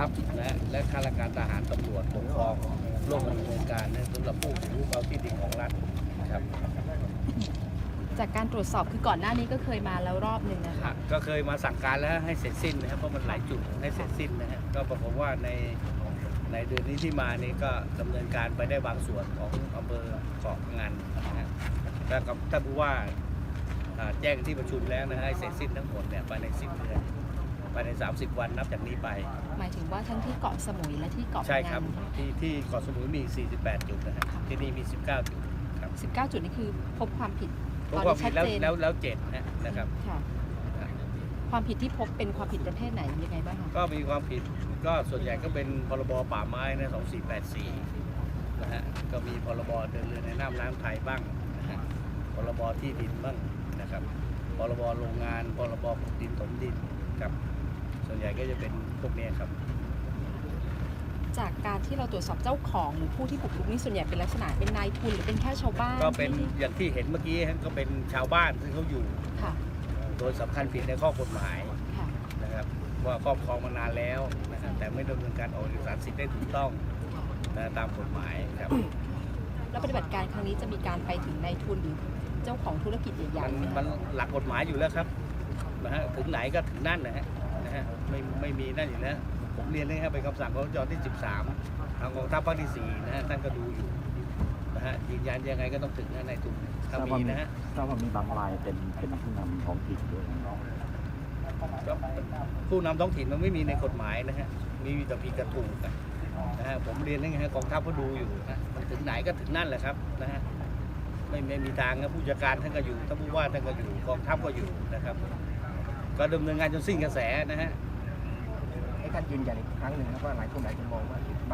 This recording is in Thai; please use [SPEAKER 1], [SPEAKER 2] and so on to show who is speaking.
[SPEAKER 1] ทัพนะและข้าราชการทหารตำรวจปกครองร่วมดำเนินการนะสำหรับผู้ถือหุ้นเอาที่ดินของรัฐครับ
[SPEAKER 2] จากการตรวจสอบคือก่อนหน้านี้ก็เคยมาแล้วรอบหนึ่งนะคะ
[SPEAKER 1] ก็เคยมาสั่งการแล้วให้เสร็จสิ้นนะครับเพราะมันหลายจุดให้เสร็จสิ้นนะฮะก็ปรากฏว่าในเดือนนี้ที่มานี่ก็ดำเนินการไปได้บางส่วนของอำเภอเกาะงานนะฮะแล้วกับท่านผู้ว่าแจ้งที่ประชุมแล้วนะฮะให้เสร็จสิ้นทั้งหมดเนี่ยภายใน10 เดือนภายใน30 วันนับจากนี้ไป
[SPEAKER 2] หมายถึงว่าทั้งที่เกาะสมุยและที่เกาะ
[SPEAKER 1] ใช่ครับ
[SPEAKER 2] พะงัน
[SPEAKER 1] ที่เกาะสมุยมี48 จุดนะฮะที่นี่มี19 จุดครับ
[SPEAKER 2] 19 จุดนี่คือพบความผิด
[SPEAKER 1] เพราะว่ามีแล้ว7นะครับ
[SPEAKER 2] ค่ะความผิดที่พบเป็นความผิดประเภทไหนยังไงบ้างคะ
[SPEAKER 1] ก็มีความผิดก็ส่วนใหญ่ก็เป็นพรบป่าไม้นะ2484นะฮะก็มีพรบเดินเรือในน้ำน้ำไทยบ้างนะฮะพรบที่ดินบ้างนะครับพรบโรงงานพรบขุดดินถมดินครับส่วนใหญ่ก็จะเป็นพวกนี้ครับ
[SPEAKER 2] จากการที่เราตรวจสอบเจ้าของหรือผู้ที่บุกรุกนี่ส่วนใหญ่เป็นลักษณะเป็นนายทุนหรือเป็นแค่ชาวบ้าน
[SPEAKER 1] ก็เป็น
[SPEAKER 2] ที่
[SPEAKER 1] อย่างที่เห็นเมื่อกี้ฮะก็เป็นชาวบ้านซึ่งเขาอยู่
[SPEAKER 2] ค่ะ
[SPEAKER 1] โดยสำคัญผิดในข้อกฎหมาย
[SPEAKER 2] ค่ะ
[SPEAKER 1] นะครับว่าครอบครองมานานแล้วนะครับแต่ไม่ดำเนินการออกเอกสารสิทธิ์ได้ถูกต้องนะตามกฎหมายครับ
[SPEAKER 2] แล้วปฏิบัติการครั้งนี้จะมีการไปถึงนายทุนหรือเจ้าของธุรกิจใหญ่ๆไหม
[SPEAKER 1] มัน
[SPEAKER 2] คะ
[SPEAKER 1] หลักกฎหมายอยู่แล้วครับนะฮะถึงไหนก็ถึงนั่นนะฮะไม่มีนั่นอยู่แล้วผมเรียนเลยครับเป็นคำสั่งของจที่ 13 ทางกองทัพภาคที่ 4 นะฮะท่านก็ดูอยู่นะฮะยืนยันยังไงก็ต้องถึงนะในทุนถ้ามีนะฮะ
[SPEAKER 3] ทราบว่ามีบางรายเป็นผู้นำท้องถิ่นด้วยนะ
[SPEAKER 1] ผู้นำท้องถิ่นมันไม่มีในกฎหมายนะฮะมีแต่ผิดกับถูกนะฮะผมเรียนนะฮะกองทัพก็ดูอยู่นะมันถึงไหนก็ถึงนั่นแหละครับนะฮะไม่มีทางนะผู้จัดการท่านก็อยู่ท่านผู้ว่าท่านก็อยู่กองทัพก็อยู่นะครับก็ดำเนินงานจนสิ้นกระแสนะฮะ
[SPEAKER 4] ให้ท่านยืนยันอีกครั้งหนึ่งครับว่าหลายคนมองว่า